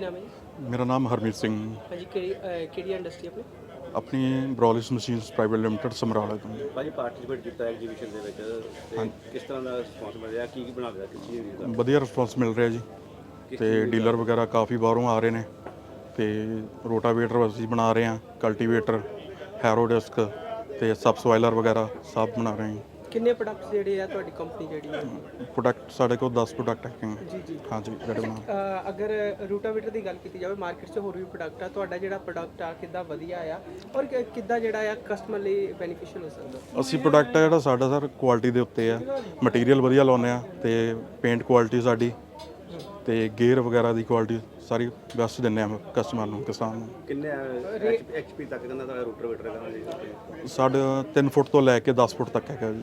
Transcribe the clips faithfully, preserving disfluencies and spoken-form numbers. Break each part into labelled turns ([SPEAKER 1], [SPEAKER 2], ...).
[SPEAKER 1] नाम है जी?
[SPEAKER 2] मेरा नाम हरमीत सिंह
[SPEAKER 1] हाँ जी, केड़ी अ, केड़ी इंडस्ट्री अपनी?
[SPEAKER 2] अपनी ब्रॉलिस मशीनस प्राइवेट लिमिटेड ਸਮਰਾਲਾ ਤੋਂ।
[SPEAKER 3] ਭਾਜੀ ਪਾਰਟਿਸਿਪੇਟ ਕੀਤਾ ਐਗਜੀਬਿਸ਼ਨ ਦੇ ਵਿੱਚ ਤੇ ਕਿਸ ਤਰ੍ਹਾਂ ਦਾ ਰਿਸਪੌਂਸ ਮਿਲ ਰਿਹਾ, ਕੀ ਕੀ ਬਣਾ ਰਿਹਾ, ਕਿਸ ਚੀਜ਼ ਦਾ
[SPEAKER 2] ਵਧੀਆ ਰਿਸਪੌਂਸ ਮਿਲ ਰਿਹਾ ਜੀ ਤੇ ਡੀਲਰ ਵਗੈਰਾ ਕਾਫੀ ਬਾਹਰੋਂ ਆ ਰਹੇ ਨੇ ਤੇ ਰੋਟਾਵੇਟਰ ਅਸੀਂ ਬਣਾ ਰਹੇ ਹਾਂ, ਕਲਟੀਵੇਟਰ, ਹੈਰੋ ਡਿਸਕ ਤੇ ਸਬਸੋਇਲਰ ਵਗੈਰਾ ਸਭ ਬਣਾ ਰਹੇ ਹਾਂ।
[SPEAKER 1] ਕਿੰਨੇ ਪ੍ਰੋਡਕਟਸ ਜਿਹੜੇ ਆ ਤੁਹਾਡੀ ਕੰਪਨੀ ਜਿਹੜੀ ਹੈ?
[SPEAKER 2] ਪ੍ਰੋਡਕਟ ਸਾਡੇ ਕੋਲ ਦਸ ਪ੍ਰੋਡਕਟ ਹੈਗੇ
[SPEAKER 1] ਜੀ ਜੀ।
[SPEAKER 2] ਹਾਂਜੀ ਜਿਹੜੇ ਬਣਾ
[SPEAKER 1] ਅ, ਅਗਰ ਰੂਟਾਵੇਟਰ ਦੀ ਗੱਲ ਕੀਤੀ ਜਾਵੇ ਮਾਰਕੀਟ 'ਚ ਹੋਰ ਵੀ ਪ੍ਰੋਡਕਟ ਆ, ਤੁਹਾਡਾ ਜਿਹੜਾ ਪ੍ਰੋਡਕਟ ਆ ਕਿੱਦਾਂ ਵਧੀਆ ਆ ਔਰ ਕਿ- ਕਿੱਦਾਂ ਜਿਹੜਾ ਆ ਕਸਟਮਰ ਲਈ ਬੈਨੀਫੀਸ਼ੀਅਲ ਹੋ ਸਕਦਾ?
[SPEAKER 2] ਅਸੀਂ ਪ੍ਰੋਡਕਟ ਆ ਜਿਹੜਾ ਸਾਡਾ ਸਰ ਕੁਆਲਿਟੀ ਦੇ ਉੱਤੇ ਆ, ਮਟੀਰੀਅਲ ਵਧੀਆ ਲਾਉਂਦੇ ਆ ਤੇ ਪੇਂਟ ਕੁਆਲਿਟੀ ਸਾਡੀ ਤੇ ਗੇਅਰ ਵਗੈਰਾ ਦੀ ਕੁਆਲਿਟੀ ਸਾਰੀ ਬੈਸਟ ਦਿੰਦੇ ਆ ਕਸਟਮਰ ਨੂੰ, ਕਿਸਾਨ ਨੂੰ।
[SPEAKER 3] ਕਿੰਨੇ ਐਚਪੀ ਤੱਕ ਕਹਿੰਦਾ ਤੁਹਾਡਾ ਰੂਟਰਵੇਟਰ ਹੈਗਾ ਜੀ?
[SPEAKER 2] ਸਾਡਾ ਤਿੰਨ ਫੁੱਟ ਤੋਂ ਲੈ ਕੇ ਦਸ ਫੁੱਟ ਤੱਕ ਹੈਗਾ ਜੀ।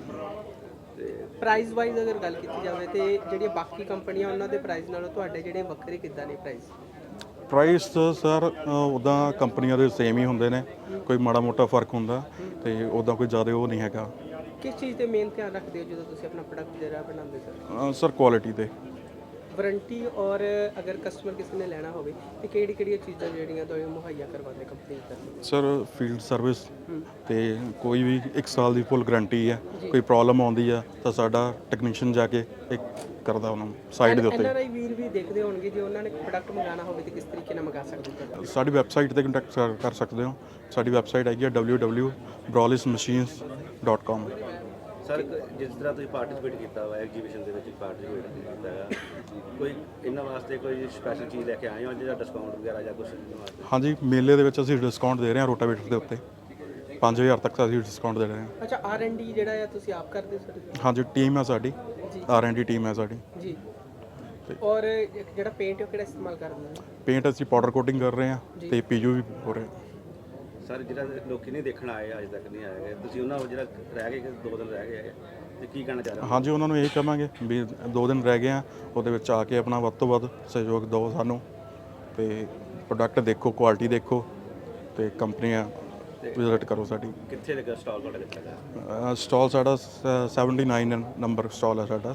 [SPEAKER 1] ਪ੍ਰਾਈਸ ਵਾਈਜ਼ ਅਗਰ ਗੱਲ ਕੀਤੀ ਜਾਵੇ ਤੇ ਜਿਹੜੀਆਂ ਬਾਕੀ ਕੰਪਨੀਆਂ ਉਹਨਾਂ ਦੇ ਪ੍ਰਾਈਸ ਨਾਲੋਂ ਤੁਹਾਡੇ ਜਿਹੜੇ ਵੱਖਰੇ ਕਿੱਦਾਂ ਨੇ ਪ੍ਰਾਈਸ?
[SPEAKER 2] ਪ੍ਰਾਈਸ ਸਰ ਉੱਦਾਂ ਕੰਪਨੀਆਂ ਦੇ ਸੇਮ ਹੀ ਹੁੰਦੇ ਨੇ, ਕੋਈ ਮਾੜਾ ਮੋਟਾ ਫਰਕ ਹੁੰਦਾ ਤੇ ਉੱਦਾਂ ਕੋਈ ਜ਼ਿਆਦਾ ਉਹ ਨਹੀਂ ਹੈਗਾ।
[SPEAKER 1] ਕਿਸ ਚੀਜ਼ ਤੇ ਮੇਨ ਧਿਆਨ ਰੱਖਦੇ ਹੋ ਜਦੋਂ ਤੁਸੀਂ ਆਪਣਾ ਪ੍ਰੋਡਕਟ ਜਿਹੜਾ ਬਣਾਉਂਦੇ ਸਰ?
[SPEAKER 2] ਅ, ਸਰ ਕੁਆਲਿਟੀ ਤੇ
[SPEAKER 1] ਵਾਰੰਟੀ ਔਰ ਅਗਰ ਕਸਟਮਰ ਕਿਸੇ ਨੇ ਲੈਣਾ ਹੋਵੇ ਤੇ ਕਿਹੜੀ ਕਿਹੜੀਆਂ ਚੀਜ਼ਾਂ ਜਿਹੜੀਆਂ ਤੁਹਾਨੂੰ ਮੁਹੱਈਆ ਕਰਵਾਉਂਦੇ ਕੰਪਨੀ ਤਰਫੋਂ?
[SPEAKER 2] ਸਰ ਫੀਲਡ ਸਰਵਿਸ ਤੇ ਕੋਈ ਵੀ ਇੱਕ ਸਾਲ ਦੀ ਫੁੱਲ ਗਾਰੰਟੀ ਹੈ। ਕੋਈ ਪ੍ਰੋਬਲਮ ਆਉਂਦੀ ਆ ਤਾਂ ਸਾਡਾ ਟੈਕਨੀਸ਼ੀਅਨ ਜਾ ਕੇ ਇੱਕ ਕਰਦਾ ਉਹਨਾਂ ਨੂੰ ਸਾਈਡ ਦੇ ਉੱਤੇ।
[SPEAKER 1] ਐਨਆਰਆਈ ਵੀਰ ਵੀ ਦੇਖਦੇ ਹੋਣਗੇ, ਜੇ ਉਹਨਾਂ ਨੇ ਪ੍ਰੋਡਕਟ ਮੰਗਾਉਣਾ ਹੋਵੇ ਤੇ ਕਿਸ ਤਰੀਕੇ ਨਾਲ ਮੰਗਾ ਸਕਦੇ ਹੋ?
[SPEAKER 2] ਸਾਡੀ ਵੈਬਸਾਈਟ ਤੇ ਕੰਟੈਕਟ ਕਰ ਸਕਦੇ ਹੋ। ਸਾਡੀ ਵੈਬਸਾਈਟ ਹੈਗੀ ਹੈ ਡਬਲਿਊ ਡਬਲਿਊ ਡਬਲਿਊ ਬ੍ਰੋਲਿਸ ਮਸ਼ੀਨਸ ਡੋਟ ਕਾਮ।
[SPEAKER 3] ਸਰ ਜਿਸ ਤਰ੍ਹਾਂ ਤੁਸੀਂ ਪਾਰਟਿਸਿਪੇਟ ਕੀਤਾ ਵਾ ਐਗਜੀਬਿਸ਼ਨ ਦੇ ਵਿੱਚ ਪਾਰਟਿਸਿਪੇਟ ਕੀਤਾ ਹੈਗਾ, ਕੋਈ ਇਹਨਾਂ ਵਾਸਤੇ ਕੋਈ ਸਪੈਸ਼ਲ ਚੀਜ਼ ਲੈ ਕੇ ਆਏ ਹੋ ਜਿਹੜਾ ਡਿਸਕਾਊਂਟ ਵਗੈਰਾ ਜਾਂ ਕੁਝ?
[SPEAKER 2] ਹਾਂਜੀ, ਮੇਲੇ ਦੇ ਵਿੱਚ ਅਸੀਂ ਡਿਸਕਾਊਂਟ ਦੇ ਰਹੇ ਹਾਂ ਰੋਟਾਵੇਟਰ ਦੇ ਉੱਤੇ ਪੰਜ ਹਜ਼ਾਰ ਤੱਕ ਅਸੀਂ ਡਿਸਕਾਊਂਟ ਦੇ ਰਹੇ ਹਾਂ।
[SPEAKER 1] ਅੱਛਾ, ਆਰ ਐਂਡ ਡੀ ਜਿਹੜਾ ਆ ਤੁਸੀਂ ਆਪ ਕਰਦੇ ਹੋ ਸਰ?
[SPEAKER 2] ਹਾਂਜੀ, ਟੀਮ ਹੈ ਸਾਡੀ, ਆਰ ਐਂਡ ਡੀ ਟੀਮ ਹੈ ਸਾਡੀ
[SPEAKER 1] ਜੀ। ਔਰ ਇੱਕ ਜਿਹੜਾ ਪੇਂਟ ਹੈ ਉਹ ਕਿਹੜਾ ਇਸਤੇਮਾਲ ਕਰਦੇ ਹੋ?
[SPEAKER 2] ਪੇਂਟ ਅਸੀਂ ਪਾਊਡਰ ਕੋਟਿੰਗ ਕਰ ਰਹੇ ਹਾਂ ਤੇ ਪੀਯੂ ਵੀ ਹੋ ਰਿਹਾ।
[SPEAKER 3] ਸਰ ਜਿਹੜਾ ਲੋਕੀ ਨਹੀਂ ਦੇਖਣ ਆਏ ਅਜੇ ਤੱਕ ਨਹੀਂ ਆਏ, ਤੁਸੀਂ ਉਹਨਾਂ ਨੂੰ ਜਿਹੜਾ ਰਹਿ ਗਏ ਦੋ ਦਿਨ ਰਹਿ ਗਏ ਤੇ ਕੀ ਕਹਿਣਾ ਚਾਹ ਰਹੇ ਹੋ?
[SPEAKER 2] ਹਾਂਜੀ, ਉਹਨਾਂ ਨੂੰ ਇਹ ਕਹਾਂਗੇ ਵੀ ਦੋ ਦਿਨ ਰਹਿ ਗਏ ਆ, ਉਹਦੇ ਵਿੱਚ ਆ ਕੇ ਆਪਣਾ ਵੱਧ ਤੋਂ ਵੱਧ ਸਹਿਯੋਗ ਦਿਓ ਸਾਨੂੰ ਤੇ ਪ੍ਰੋਡਕਟ ਦੇਖੋ, ਕੁਆਲਿਟੀ ਦੇਖੋ ਤੇ ਕੰਪਨੀਆਂ ਵਿਜ਼ਿਟ ਕਰੋ ਸਾਡੀ।
[SPEAKER 3] ਕਿੱਥੇ ਲੱਗਾ ਸਟਾਲ ਤੁਹਾਡਾ ਕਿੱਥੇ ਲੱਗਾ?
[SPEAKER 2] ਸਟਾਲ ਸਾਡਾ ਸੈਵਨਟੀ ਨਾਈਨ ਨੰਬਰ ਸਟਾਲ ਹੈ ਸਾਡਾ।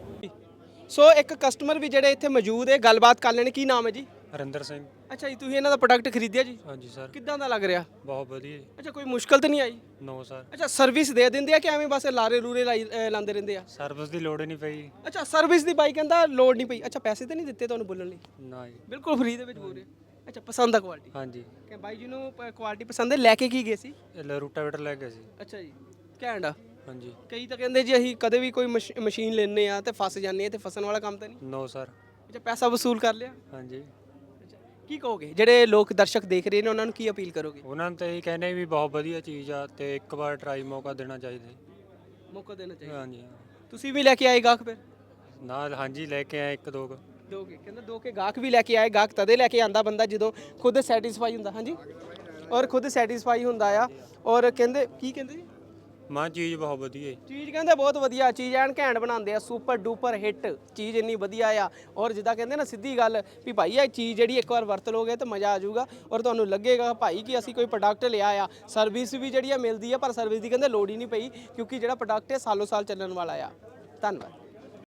[SPEAKER 1] ਸੋ ਇੱਕ ਕਸਟਮਰ ਵੀ ਜਿਹੜੇ ਇੱਥੇ ਮੌਜੂਦ ਹੈ, ਗੱਲਬਾਤ ਕਰ ਲੈਣ। ਕੀ ਨਾਮ ਹੈ ਜੀ?
[SPEAKER 4] ਹਰਿੰਦਰ ਸਿੰਘ।
[SPEAKER 1] ਅੱਛਾ ਜੀ, ਤੁਸੀਂ ਇਹਨਾਂ ਦਾ ਪ੍ਰੋਡਕਟ ਖਰੀਦਿਆ ਜੀ?
[SPEAKER 4] ਹਾਂਜੀ ਸਰ।
[SPEAKER 1] ਕਿੱਦਾਂ ਦਾ ਲੱਗ ਰਿਹਾ?
[SPEAKER 4] ਬਹੁਤ ਵਧੀਆ ਜੀ।
[SPEAKER 1] ਅੱਛਾ, ਕੋਈ ਮੁਸ਼ਕਲ ਤਾਂ ਨਹੀਂ ਆਈ?
[SPEAKER 4] ਨੋ ਸਰ।
[SPEAKER 1] ਅੱਛਾ, ਸਰਵਿਸ ਦੇ ਦਿੰਦੇ ਆ ਕਿ ਐਵੇਂ ਬਸ ਲਾਰੇ ਰੂਰੇ ਲਾਈ ਅ, ਲਾਉਂਦੇ ਰਹਿੰਦੇ ਆ?
[SPEAKER 4] ਸਰਵਿਸ ਦੀ ਲੋੜ ਹੀ ਨਹੀਂ ਪਈ।
[SPEAKER 1] ਅੱਛਾ, ਸਰਵਿਸ ਦੀ ਬਾਈ ਕਹਿੰਦਾ ਲੋੜ ਨਹੀਂ ਪਈ। ਅੱਛਾ, ਪੈਸੇ ਤਾਂ ਨਹੀਂ ਦਿੱਤੇ ਤੁਹਾਨੂੰ ਬੋਲਣ ਲਈ?
[SPEAKER 4] ਨਾ ਜੀ।
[SPEAKER 1] ਬਿਲਕੁਲ ਫ੍ਰੀ ਦੇ ਵਿੱਚ ਬੋਲ ਰਹੇ। ਅੱਛਾ, ਪਸੰਦ ਆ ਕੁਆਲਿਟੀ?
[SPEAKER 4] ਹਾਂਜੀ।
[SPEAKER 1] ਕਿ ਬਾਈ ਜੀ ਨੂੰ ਕੁਆਲਿਟੀ ਪਸੰਦ ਹੈ, ਲੈ ਕੇ ਕੀ ਗਏ ਸੀ?
[SPEAKER 4] ਇਹ ਰੂਟਾਵੇਟਰ ਲੈ ਗਏ ਸੀ।
[SPEAKER 1] ਅੱਛਾ ਜੀ, ਘੈਂਟ ਆ।
[SPEAKER 4] ਹਾਂਜੀ।
[SPEAKER 1] ਕਈ ਤਾਂ ਕਹਿੰਦੇ ਜੀ ਅਸੀਂ ਕਦੇ ਵੀ ਕੋਈ ਮਸ਼- ਮਸ਼ੀਨ ਲੈਣੇ ਆ ਤੇ ਫਸ ਜਾਂਦੇ ਆ, ਤੇ ਫਸਣ ਵਾਲਾ ਕੰਮ ਤਾਂ ਨਹੀਂ?
[SPEAKER 4] No sir.
[SPEAKER 1] ਅੱਛਾ, ਪੈਸਾ ਵਸੂਲ ਕਰ ਲਿਆ?
[SPEAKER 4] ਹਾਂਜੀ।
[SPEAKER 1] ਅੱਛਾ, ਕੀ ਕਹੋਗੇ ਜਿਹੜੇ ਲੋਕ ਦਰਸ਼ਕ ਦੇਖ ਰਹੇ ਨੇ ਉਹਨਾਂ ਨੂੰ ਕੀ ਅਪੀਲ ਕਰੋਗੇ?
[SPEAKER 4] ਉਹਨਾਂ ਨੂੰ ਤਾਂ ਇਹ ਕਹਿੰਦੇ ਵੀ ਬਹੁਤ ਵਧੀਆ ਚੀਜ਼ ਆ ਤੇ ਇੱਕ ਵਾਰ ਟਰਾਈ ਮੌਕਾ ਦੇਣਾ ਚਾਹੀਦਾ ਜੀ।
[SPEAKER 1] ਮੌਕਾ ਦੇਣਾ ਚਾਹੀਦਾ।
[SPEAKER 4] ਹਾਂਜੀ।
[SPEAKER 1] ਤੁਸੀਂ ਵੀ ਲੈ ਕੇ ਆਏ ਗਾਹਕ ਫਿਰ?
[SPEAKER 4] ਨਾਲ ਹਾਂਜੀ ਲੈ ਕੇ ਆਏ ਇੱਕ ਦੋ ਕੁ।
[SPEAKER 1] ਦੋਗੇ? ਕਹਿੰਦਾ ਦੋ ਕੇ ਗਾਹਕ ਵੀ ਲੈ ਕੇ ਆਏ। ਗਾਹਕ ਤਦੇ ਲੈ ਕੇ ਆਂਦਾ ਬੰਦਾ ਜਦੋਂ ਖੁਦ ਸੈਟੀਸਫਾਈ ਹੁੰਦਾ। ਹਾਂਜੀ, ਔਰ ਖੁਦ ਸੈਟੀਸਫਾਈ ਹੁੰਦਾ ਆ। ਔਰ ਕਹਿੰਦੇ ਕੀ ਕਹਿੰਦੇ ਜੀ?
[SPEAKER 4] ਮਾਂ ਚੀਜ਼ ਬਹੁਤ ਵਧੀਆ ਜੀ।
[SPEAKER 1] ਚੀਜ਼ ਕਹਿੰਦੇ ਬਹੁਤ ਵਧੀਆ, ਚੀਜ਼ ਐਨ ਘੈਂਟ ਬਣਾਉਂਦੇ ਆ, ਸੁਪਰ ਡੂਪਰ ਹਿੱਟ ਚੀਜ਼ ਇੰਨੀ ਵਧੀਆ ਆ। ਔਰ ਜਿੱਦਾਂ ਕਹਿੰਦੇ ਨਾ ਸਿੱਧੀ ਗੱਲ ਵੀ ਭਾਈ ਇਹ ਚੀਜ਼ ਜਿਹੜੀ ਇੱਕ ਵਾਰ ਵਰਤ ਲੋਗੇ ਤਾਂ ਮਜ਼ਾ ਆ ਜਾਊਗਾ ਔਰ ਤੁਹਾਨੂੰ ਲੱਗੇਗਾ ਭਾਈ ਕਿ ਅਸੀਂ ਕੋਈ ਪ੍ਰੋਡਕਟ ਲਿਆ ਆ। ਸਰਵਿਸ ਵੀ ਜਿਹੜੀ ਆ ਮਿਲਦੀ ਆ, ਪਰ ਸਰਵਿਸ ਦੀ ਕਹਿੰਦੇ ਲੋੜ ਹੀ ਨਹੀਂ ਪਈ ਕਿਉਂਕਿ ਜਿਹੜਾ ਪ੍ਰੋਡਕਟ ਹੈ ਸਾਲੋ ਸਾਲ ਚੱਲਣ ਵਾਲਾ ਆ। ਧੰਨਵਾਦ।